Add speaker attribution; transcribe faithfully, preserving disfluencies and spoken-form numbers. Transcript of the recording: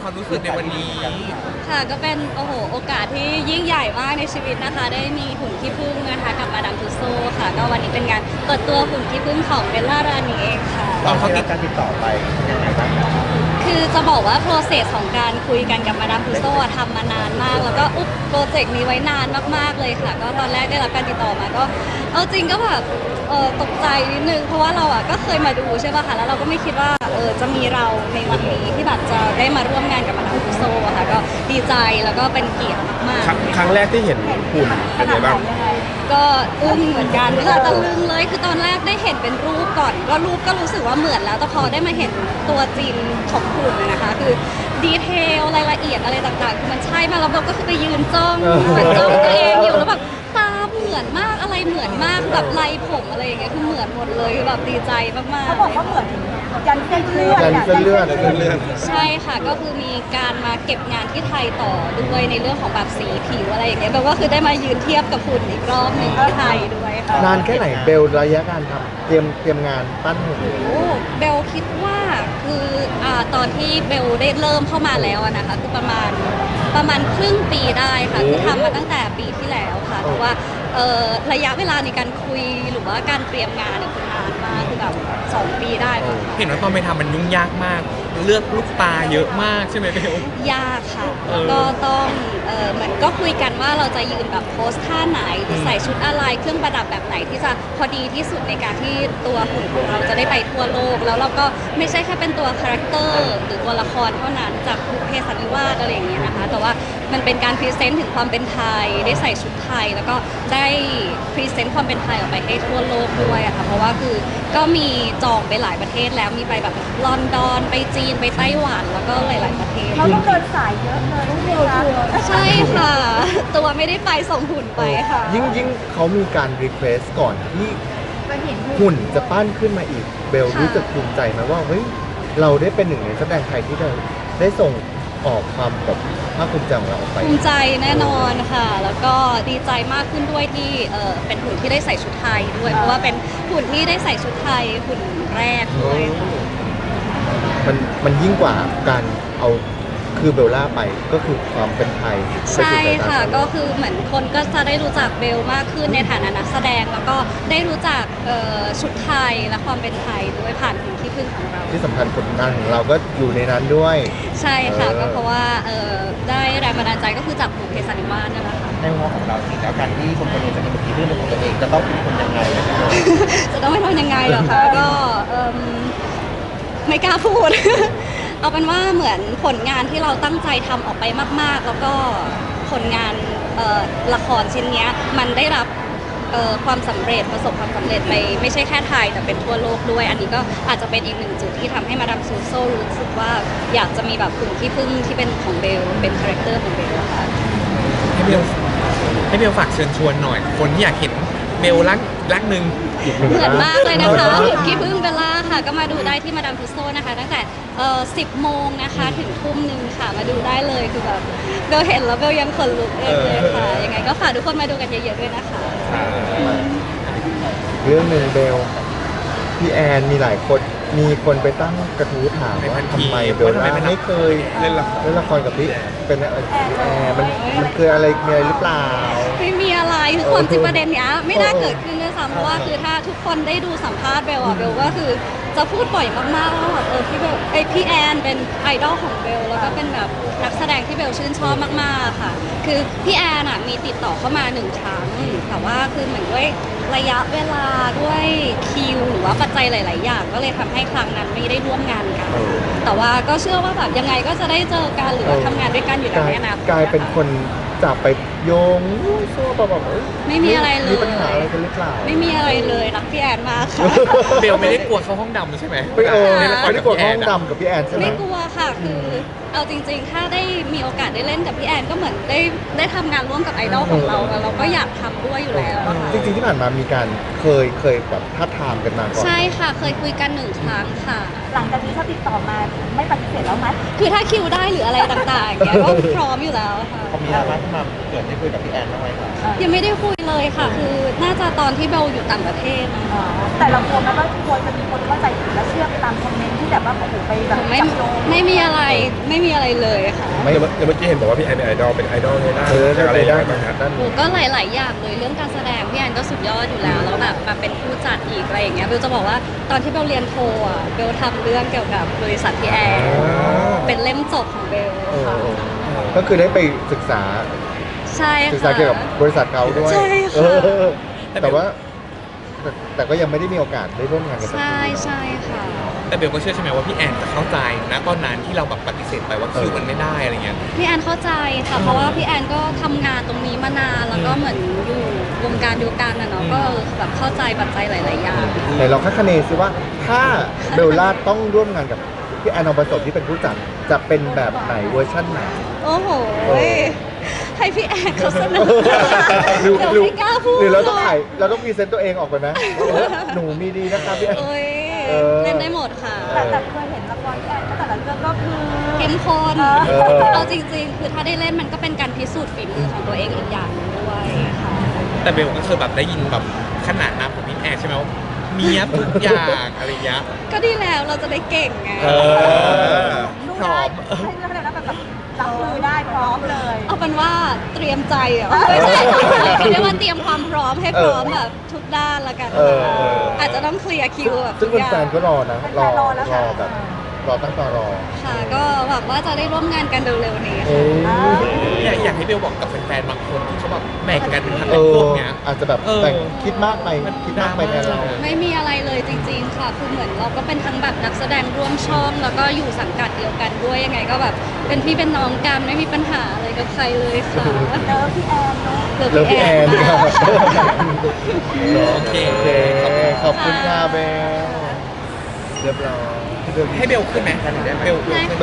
Speaker 1: ความรู้สึกในวันนี้
Speaker 2: ค่ะก็เป็นโอ้โหโอกาสที่ยิ่งใหญ่มากในชีวิตนะคะได้มีหุ่นขี้ผึ้งนะคะกับมาดามทุสโซค่ะก็วันนี้เป็นงานเปิดตัวหุ่นขี้ผึ้งของเบลล่ารานีเองค่ะ
Speaker 3: ตอนเขาติดการติดต่อไปยังไงบ้างครับ
Speaker 2: คือจะบอกว่า process ของการคุยกันกับมาดามทุสโซทำมานานมากแล้วก็อุ๊บโปรเจกต์นี้ไว้นานมากๆเลยค่ะก็ตอนแรกได้รับการติดต่อมาก็เอาจริงก็แบบเออตกใจนิดนึงเพราะว่าเราอ่ะก็เคยมาดูใช่ป่ะคะแล้วเราก็ไม่คิดว่าเออจะมีเราในวันนี้ที่แบบจะได้มาร่วมงานกับมาดามทุสโซอะค่ะก็ดีใจแล้วก็เป็นเกียรติมากๆ
Speaker 3: ครั้งแรกที่เห็นหุ่นเป็นไงบ้าง
Speaker 2: ก็อึ้งเหมือนกันเพื่อตะลึงเลยคือตอนแรกได้เห็นเป็นรูปก่อนก็รูปก็รู้สึกว่าเหมือนแล้วแต่พอได้มาเห็นตัวจริงของหุ่นนะคะคือดีเทลรายละเอียดอะไรต่างๆคือมันใช่มากแล้วเราก็คือไปยืนจ้องมันจ้องตัวเองอยู่แล้วแบบตาเหมือนมากอะไรเหมือนมากแบบลายผมอะไรอย่างเงี้ยคือเหมือนหมดเลยคือแบบดีใจมากๆ
Speaker 4: เขาบอกว่าเหมือนยันเส้นเลือด
Speaker 3: ยันเส้นเลือดเส้นเลือด
Speaker 2: ใช่ค่ะก็คือมีการมาเก็บงานที่ไทยต่อด้วยในเรื่องของแบบสีผิวอะไรอย่างเงี้ยแบบว่าคือได้มายืนเทียบกับหุ่นอีกรอบหนึ่งที่ไทยด้วยค่ะ
Speaker 3: นานแค่ไหนเบลระยะการทำเตรียมเตรียมงานปั้นหุ่น
Speaker 2: โอ้เบลคิดว่าคืออ่าตอนที่เบลได้เริ่มเข้ามาแล้วอะนะคะคือประมาณประมาณครึ่งปีได้ค่ะคือทำมาตั้งแต่ปีที่แล้วค่ะเพราะว่าเอ่อระยะเวลาในการคุยหรือว่าการเตรียมงานเนี่ยคือนานมากคือแบบสองปีได้ค่ะ
Speaker 1: เห็นว่าตอนไปทำมันยุ่งยากมากเลือกลูกตาเยอะมากใช่ไหมเบล
Speaker 2: ยากค่ะแล้วก็ต้องเออเหมือนก็คุยกันว่าเราจะยืนแบบโพสท่าไหนหรือใส่ชุดอะไรเครื่องประดับแบบไหนที่จะพอดีที่สุดในการที่ตัวหุ่นของเราจะได้ไปทั่วโลกแล้วเราก็ไม่ใช่แค่เป็นตัวคาแรคเตอร์หรือตัวละครเท่านั้นจากบุพเพสันนิวาสอะไรอย่างเงี้ยนะคะแต่ว่ามันเป็นการพรีเซนต์ถึงความเป็นไทยได้ใส่ชุดไทยแล้วก็ได้พรีเซนต์ความเป็นไทยออกไปให้ทั่วโลกด้วยอะค่ะเพราะว่าคือก็มีจองไปหลายประเทศแล้วมีไปแบบลอนดอนไปจีนไปไต้หวันแล้วก็หลายๆประเทศ
Speaker 4: เราต้องเดินสายเยอะเลยต้องเดียวชัวร์
Speaker 2: ใช่ค่ะตัวไม่ได้ไปส่งหุ่นไปค่ะ
Speaker 3: ยิ่งยิ่งเขามีการรีเควสก่อนที่หุ่นจะปั้นขึ้นมาอีกเบลรู้สึกภูมิใจไหมว่าเฮ้ยเราได้เป็นหนึ่งในแสดงไทยที่ได้ได้ส่งออกความแบบภาคภูมิใจของเราออกไป
Speaker 2: ภูมิใจแน่นอนค่ะแล้วก็ดีใจมากขึ้นด้วยที่เออเป็นหุ่นที่ได้ใส่ชุดไทยด้วยเพราะว่าเป็นหุ่นที่ได้ใส่ชุดไทยหุ่นแรกด้วย
Speaker 3: มันมันยิ่งกว่าการเอาคือเบลล่าไปก็คือความเป็นไทย
Speaker 2: ใช่ค่ะก็คือเหมือนคนก็จะได้รู้จักเบลมากขึ้นในฐานะนักแสดงแล้วก็ได้รู้จักชุดไทยและความเป็นไทยด้วยผ่านหุ่นขี้ผึ้งของเรา
Speaker 3: ที่สำคัญผลงานของเราก็อยู่ในนั้นด้วย
Speaker 2: ใช่ค่ะก็เพราะว่าได้แรงบันดาลใจก็คือจากบุพเพสันนิวาสนั่นแหละค่ะ
Speaker 3: ในหัวของเราจริงแล้วการที่คนคนนึงจะมีหุ่นขี้ผึ้งเป็นของตัวเองจะต้องเป็นคนยังไง
Speaker 2: จะต้องเป็นคนยังไงเหรอคะก็ไม่กล้าพูดเอาเป็นว่าเหมือนผลงานที่เราตั้งใจทำออกไปมากๆแล้วก็ผลงานละครชิ้นนี้มันได้รับความสำเร็จประสบความสำเร็จในไม่ใช่แค่ไทยแต่เป็นทั่วโลกด้วยอันนี้ก็อาจจะเป็นอีกหนึ่งจุดที่ทำให้มาดามซูโซรู้สึกว่าอยากจะมีแบบหุ่นขี้ผึ้งที่เป็นของเบลเป็นคาแรคเตอร์ของเบลค่ะ
Speaker 1: ให้เบลให้เบลฝากเชิญชวนหน่อยคนที่อยากเห็นเบลรักรักหนึ่ง
Speaker 2: เหมือนมากเลยนะคะหุ่นขี้ผึ้งเบลล่าค่ะก็มาดูได้ที่มาดามทุสโซนะคะตั้งแต่สิบโมงนะคะถึงทุ่มหนึ่งค่ะมาดูได้เลยคือแบบเบลเห็นแล้วเบลยังขนลุกเองเลยค่ะยังไงก็ฝากทุกคนมาดูกันเยอะๆด้วยนะคะ
Speaker 3: เรื่องหนึ่งเบลพี่แอนมีหลายคนมีคนไปตั้งกระทู้ถามว่าทำไมเบลล่าไม่เคยเล่นละครกับพี่เป็นแอนมันมันคืออะไรมีอะไรหรือเปล่า
Speaker 2: ไม่มีอะไรคือความจริงประเด็นเนี้ยไม่น่าเกิดขึ้นด้วยซ้ำเพราะว่าคือถ้าทุกคนได้ดูสัมภาษณ์เบลอะเบลก็คือจะพูดบ่อยมากๆว่าแบบเออพี่เบลไอพี่แอนเป็นไอดอลของเบลแล้วก็เป็นแบบนักแสดงที่เบลชื่นชอบมากๆค่ะคือพี่แอนอะมีติดต่อเข้ามาหนึ่งครั้งแต่ว่าคือเหมือนด้วยระยะเวลาด้วยคิวหรือว่าปัจจัยหลายๆอย่างก็เลยทำให้ครั้งนั้นไม่ได้ร่วมงานกันแต่ว่าก็เชื่อว่าแบบยังไงก็จะได้เจอกันหรือว่าทำงานด้วยกันอยู่แล้วเนี่ยนะ
Speaker 3: กลายเป็นคนจับไปโยงโซ่แบบแบบ
Speaker 2: ไม่มีอะไรเลย
Speaker 3: มีปัญหาอะไรกันหรือเปล่า
Speaker 2: ไม่มีอะไรเลยรักพี่แอนมากค่ะ
Speaker 1: เบลไม่ได้กลัวเข้าห้องดำใช่ไหม
Speaker 3: ไม่เออไม่ได้กลัวเข้าห้องดำกับพี่แอนใช่ไหม
Speaker 2: ไม่กลัวค่ะคือเอาจริงๆถ้าได้มีโอกาสได้เล่นกับพี่แอนก็เหมือนได้ได้ทำงานร่วมกับไอดอลของเราแล้วเราก็อยากทำด้วยอยู่แล้ว
Speaker 3: จริงๆที่ผ่านมามีการเคยเคยแบบท้าทามกันมาก่อน
Speaker 2: ใช่ค่ะเคยคุยกันหนึ่งครั้งค่ะ
Speaker 4: หลังจากนี้ถ้าติดต่อมาไม่ปฏิเสธแล้วไหม
Speaker 2: คือถ้าคิวได้หรืออะไรต่างๆเนี่ยก็พร้อมอยู่แล้วค่ะ
Speaker 3: เขามีอะไรที่มาเกิดได้คุยกับพี่แอนบ้างไหมคะ
Speaker 2: ยังไม่ได้คุยเลยค่ะคือน่าจะตอนที่เบลเราอยู่ต่างประเทศนะ
Speaker 4: อ๋อแต่เรากลัวไหมว่าควรจะมีคนเข้าใจผิดและเชื่อไปตามคอมเมนต์ที่แบบว่าโอ้โหไปแบบ
Speaker 2: ไม่
Speaker 4: จับโยง
Speaker 2: ไม่มีอะไรไม่มีอะไรเลยค่ะ
Speaker 3: ไม่
Speaker 5: เดี๋ยวเมื่อเดี๋ยวเมื่อกี้เห็นบอกว่าพี่แอนเป็นไอดอลเป็นไอดอลในด้าน
Speaker 3: เออได้
Speaker 5: อะไร
Speaker 3: ได้
Speaker 5: บ้างครับ
Speaker 3: ด้าน
Speaker 2: โอ้ก็หลาย ๆ อย่างเลยเรื่องการแสดงพี่แอนก็สุดยอดอยู่แล้วแล้วแบบมาเป็นผู้จัดอีกอะไรอย่างเงี้ยเบลจะบอกว่าตอนที่เบลเรียนโทอ่ะเบลทำเรื่องเกี่ยวกับบริษัทพี่แอนเป็นเล่มจบของเบล
Speaker 3: เออ
Speaker 2: ค่ะ
Speaker 3: เออก็คือได้ไปศึกษา
Speaker 2: ใช่
Speaker 3: ศึกษา
Speaker 2: ค่ะ
Speaker 3: เกี่ยวกับบริษัทเขาด้วย
Speaker 2: ใช่ค่ะ
Speaker 3: เออแต่ว่าแต่แต่ก็ยังไม่ได้มีโอกาสได้ร่วมงานกันสัก
Speaker 2: ใช่
Speaker 3: ที
Speaker 2: ใช่ค่ะ
Speaker 1: แต่เบลก็เชื่อใช่ไหมว่าพี่แอนจะเข้าใจนะตอนนั้นที่เราแบบปฏิเสธไปว่าคิวมันไม่ได้อะไรเงี้ย
Speaker 2: พี่แอนเข้าใจค่ะเพราะว่าพี่แอนก็ทำงานตรงนี้มานานแล้วก็เหมือนอยู่วงการเดียวกันนะเนาะก็แบบเข้าใจปัจจัยหลาย ๆ อย่าง
Speaker 3: ไหนลองคาดคะเนซิว่าถ้าเบลล่าต้องร่วมงานกับพี่แอนนองผสมที่เป็นผู้จัดจะเป็นแบบไหนเวอร์ชั่นไหน
Speaker 2: โอ้โหให้พี่แอนเขาเสนอ
Speaker 3: หรือ
Speaker 2: เดี๋ยว
Speaker 3: หรือ
Speaker 2: ไม่กล้าพูด
Speaker 3: หรือเราต้องถ่ายเราต้องพรีเซนต์ตัวเองออกไปไหมเออหนูมีดีนะคะพี่แอน
Speaker 2: เอ้ย
Speaker 3: เออ
Speaker 2: เล่นได้หมดค่ะ
Speaker 4: แต่แต่เคยเห็นละครพี่แอนก็แต่ละเรื่องก็คือ
Speaker 2: เข้มข้น
Speaker 3: เออ
Speaker 2: เอาจริง ๆ คือถ้าได้เล่นมันก็เป็นการพิสูจน์ฝีมือของตัวเองอีกอย่างหนึ่งด้วยค่ะ
Speaker 1: แต่เบลก็เคยแบบได้ยินแบบขนาดน้ำของพี่แอนใช่ไหมว่าเมียบทุกอย่างอะไรเงี้ย
Speaker 2: ก็ดีแล้วเราจะได้เก่งไง
Speaker 1: เออ
Speaker 4: สู้
Speaker 1: พร้
Speaker 4: ได้
Speaker 1: อม
Speaker 4: ให้เรื่องอะไรนะแบบแบบรับมือได้พร้อมเลย
Speaker 2: เอาเป็นว่าเตรียมใจเหรอไม่ใช่เรียกว่าเตรียมความพร้อมให้พร้อมแบบทุกด้านละกัน
Speaker 3: เออเออ
Speaker 2: อาจจะต้องเคลียร์คิวแบบ
Speaker 3: ซึ่ง
Speaker 2: ทุกอย่าง
Speaker 3: แฟนๆก็รอนะ รอ
Speaker 4: แฟนๆรอแล้ว
Speaker 3: ร
Speaker 4: ค่ะ
Speaker 3: อแบบรอตั้งตารอ
Speaker 2: ค่ะ ก็หวังว่าจะได้ร่วมงานกันเร็วๆนี้
Speaker 3: เอ
Speaker 2: ค่ะ
Speaker 3: อ
Speaker 1: อยากอยากให้เบลบอกกับแฟนๆบางคนที่เขาแบบแบ่งกันเป็นพัก
Speaker 3: เอ
Speaker 1: เป็น
Speaker 3: อ
Speaker 1: พวกเนี้ย
Speaker 3: อาจจะแบบ
Speaker 1: เออ
Speaker 3: แต่งคิดมากไปคิดมากไปแทนเรา
Speaker 2: ไม่มีอะไรเลยจริง ๆ ค่ะ คือเหมือนเราก็เป็นทั้งแบบนักแสดงร่วมช่อง แล้วก็อยู่สังกัดเดียวกันด้วยยังไงก็แบบเป็นพี่เป็นน้องกันไม่มีปัญหาอะไรกับใครเลยค่ะ
Speaker 4: เจอพี่แอนเนาะ
Speaker 2: เลิฟ
Speaker 3: เลิฟพี่แอน
Speaker 2: ค่ะ
Speaker 1: โอเค
Speaker 3: โอเคขอบคุณค่ะเบลเรียบร้อย
Speaker 1: ให้เบลขึ้นไหมเบลเบลขึ้น